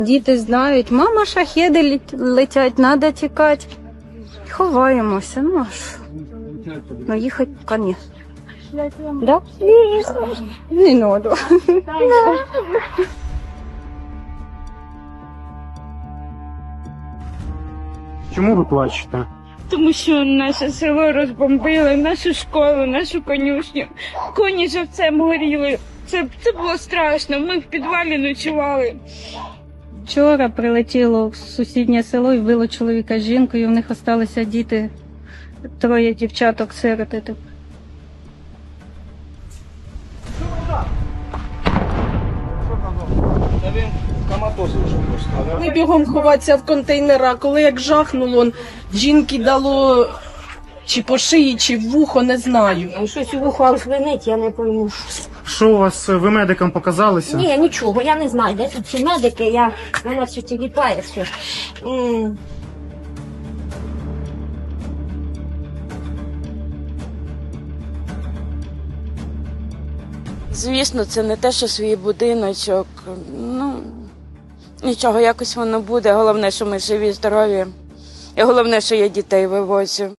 Діти знають, мама, шахеди летять, треба тікати. Ховаємося, ну а що? Ну їхати поки ні. Да? Не надо. Чому ви плачете? Тому що наше село розбомбили, нашу школу, нашу конюшню. Коні живцем горіли. Це було страшно. Ми в підвалі ночували. Вчора прилетіло в сусіднє село і вбило чоловіка з жінкою, в них залишилися діти, 3 дівчаток сироти. Ми бігом ховатися в контейнера, коли як жахнуло, жінки дало чи по шиї, чи в вухо, не знаю. Щось у вухо звенить, я не пойму. Що у вас, ви медикам показалися? Ні, нічого, я не знаю, де тут ці медики, мене все тіліпає, все. Звісно, це не те, що свій будиночок. Ну, нічого, якось воно буде. Головне, що ми живі, здорові. І головне, що я дітей вивозю.